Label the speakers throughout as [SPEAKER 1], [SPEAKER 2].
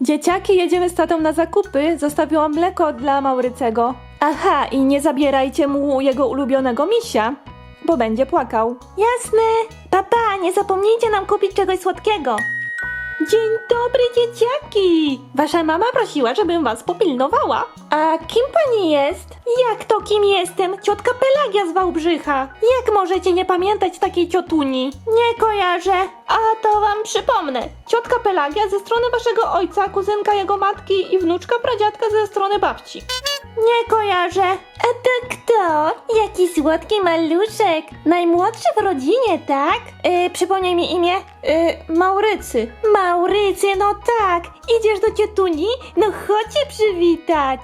[SPEAKER 1] Dzieciaki, jedziemy z tatą na zakupy. Zostawiłam mleko dla Maurycego. Aha, i nie zabierajcie mu jego ulubionego misia, bo będzie płakał. Jasne. Papa, nie zapomnijcie nam kupić czegoś słodkiego. Dzień dobry, dzieciaki! Wasza mama prosiła, żebym was popilnowała. A kim pani jest? Jak to kim jestem? Ciotka Pelagia z Wałbrzycha. Jak możecie nie pamiętać takiej ciotuni? Nie kojarzę. A to wam przypomnę. Ciotka Pelagia ze strony waszego ojca, kuzynka jego matki i wnuczka pradziadka ze strony babci. Nie kojarzę. A to kto? Jaki słodki maluszek. Najmłodszy w rodzinie, tak? Przypomnij mi imię. Maurycy. Maurycy, no tak. Idziesz do ciotuni? No chodź się przywitać.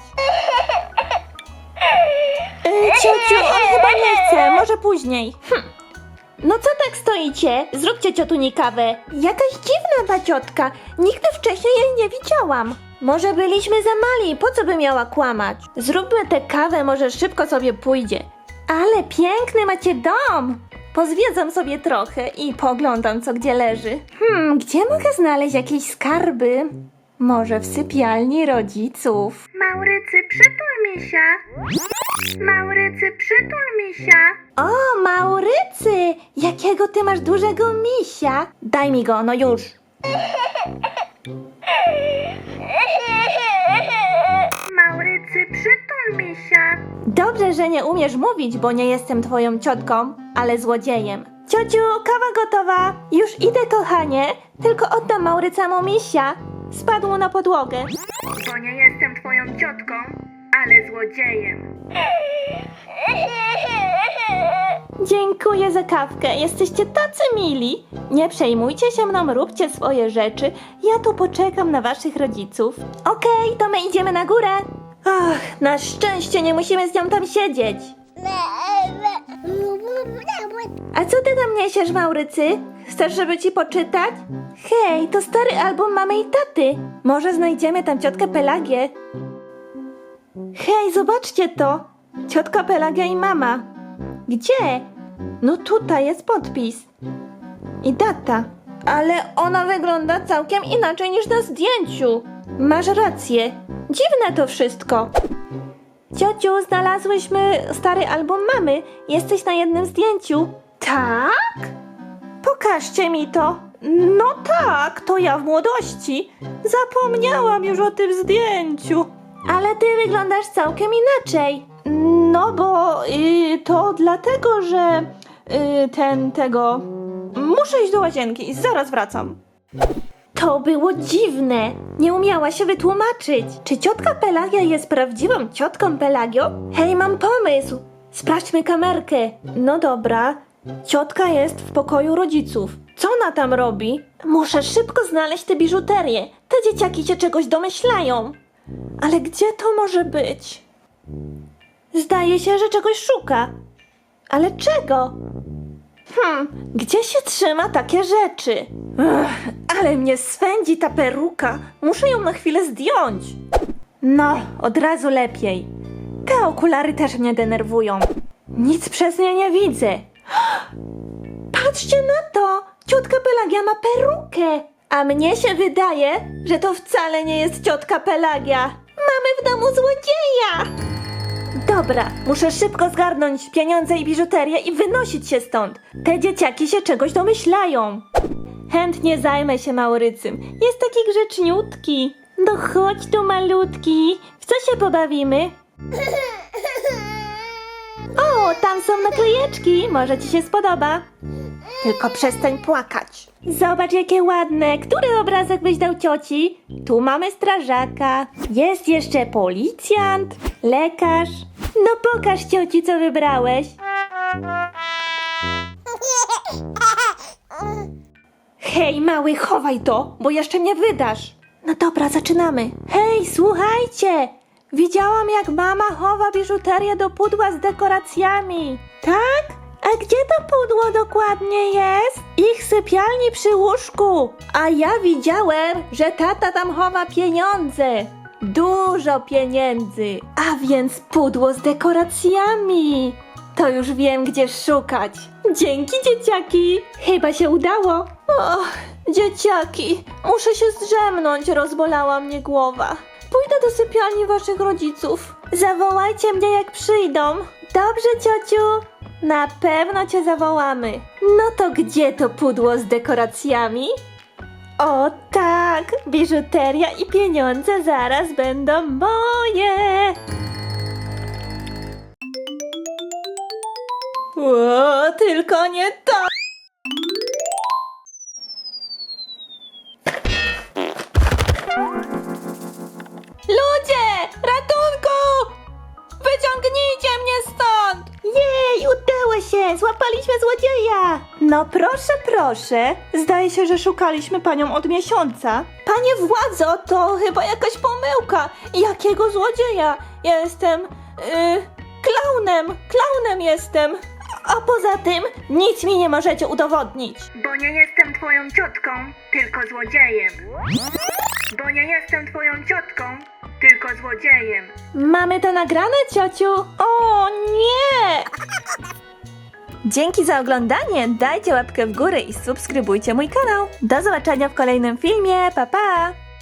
[SPEAKER 1] Ciociu, on chyba nie chce. Może później. No co tak stoicie? Zróbcie ciotuni kawę. Jakaś dziwna ta ciotka. Nigdy wcześniej jej nie widziałam. Może byliśmy za mali, po co by miała kłamać? Zróbmy tę kawę, może szybko sobie pójdzie. Ale piękny macie dom! Pozwiedzam sobie trochę i poglądam, co gdzie leży. Gdzie mogę znaleźć jakieś skarby? Może w sypialni rodziców?
[SPEAKER 2] Maurycy, przytul misia. Maurycy, przytul misia.
[SPEAKER 1] O, Maurycy! Jakiego ty masz dużego misia? Daj mi go, no już.
[SPEAKER 2] Maurycy, przytul misia.
[SPEAKER 1] Dobrze, że nie umiesz mówić, bo nie jestem twoją ciotką, ale złodziejem. Ciociu, kawa gotowa. Już idę, kochanie. Tylko oddam Maurycemu misia. Spadł na podłogę.
[SPEAKER 2] Bo nie jestem twoją ciotką, ale złodziejem.
[SPEAKER 1] Dziękuję za kawkę. Jesteście tacy mili. Nie przejmujcie się mną, róbcie swoje rzeczy. Ja tu poczekam na waszych rodziców. Okej, to my idziemy na górę. Ach, na szczęście nie musimy z nią tam siedzieć. A co ty tam niesiesz, Maurycy? Chcesz, żeby ci poczytać? Hej, to stary album mamy i taty. Może znajdziemy tam ciotkę Pelagię. Hej, zobaczcie to. Ciotka Pelagia i mama. Gdzie? No tutaj jest podpis. I data. Ale ona wygląda całkiem inaczej niż na zdjęciu. Masz rację. Dziwne to wszystko. Ciociu, znalazłyśmy stary album mamy. Jesteś na jednym zdjęciu. Tak? Pokażcie mi to. No tak, to ja w młodości. Zapomniałam już o tym zdjęciu. Ale ty wyglądasz całkiem inaczej. No bo to dlatego, że tego... Muszę iść do łazienki i zaraz wracam. To było dziwne. Nie umiała się wytłumaczyć. Czy ciotka Pelagia jest prawdziwą ciotką Pelagio? Hej, mam pomysł. Sprawdźmy kamerkę. No dobra. Ciotka jest w pokoju rodziców. Co ona tam robi? Muszę szybko znaleźć tę biżuterię. Te dzieciaki się czegoś domyślają. Ale gdzie to może być? Zdaje się, że czegoś szuka. Ale czego? Gdzie się trzyma takie rzeczy? Ale mnie swędzi ta peruka. Muszę ją na chwilę zdjąć. No, od razu lepiej. Te okulary też mnie denerwują. Nic przez nie nie widzę. Patrzcie na to! Ciotka Pelagia ma perukę. A mnie się wydaje, że to wcale nie jest ciotka Pelagia. Mamy w domu złodzieja! Dobra, muszę szybko zgarnąć pieniądze i biżuterię i wynosić się stąd. Te dzieciaki się czegoś domyślają. Chętnie zajmę się Maurycym. Jest taki grzeczniutki. No chodź tu, malutki. W co się pobawimy? O, tam są naklejeczki. Może ci się spodoba. Tylko przestań płakać. Zobacz, jakie ładne. Który obrazek byś dał cioci? Tu mamy strażaka. Jest jeszcze policjant, lekarz. No pokaż cioci, co wybrałeś. Hej, mały, chowaj to, bo jeszcze mnie wydasz. No dobra, zaczynamy. Hej, słuchajcie. Widziałam, jak mama chowa biżuterię do pudła z dekoracjami. Tak? A gdzie to pudło dokładnie jest? Ich sypialni przy łóżku. A ja widziałem, że tata tam chowa pieniądze. Dużo pieniędzy. A więc pudło z dekoracjami. To już wiem, gdzie szukać. Dzięki, dzieciaki. Chyba się udało. Dzieciaki, muszę się zdrzemnąć, rozbolała mnie głowa. Pójdę do sypialni waszych rodziców. Zawołajcie mnie, jak przyjdą. Dobrze, ciociu. Na pewno cię zawołamy. No to gdzie to pudło z dekoracjami? O tak, biżuteria i pieniądze zaraz będą moje. O, tylko nie to. Ludzie, ratunku! Wyciągnijcie mnie stąd! Jej, udało się! Złapaliśmy złodzieja! No proszę, proszę. Zdaje się, że szukaliśmy panią od miesiąca. Panie władzo, to chyba jakaś pomyłka. Jakiego złodzieja? Ja jestem... Klaunem jestem. A poza tym nic mi nie możecie udowodnić.
[SPEAKER 2] Bo nie jestem twoją ciotką, tylko złodziejem. Bo nie jestem twoją ciotką, tylko złodziejem.
[SPEAKER 1] Mamy to nagrane, ciociu? O nie! Dzięki za oglądanie, dajcie łapkę w górę i subskrybujcie mój kanał. Do zobaczenia w kolejnym filmie, pa pa!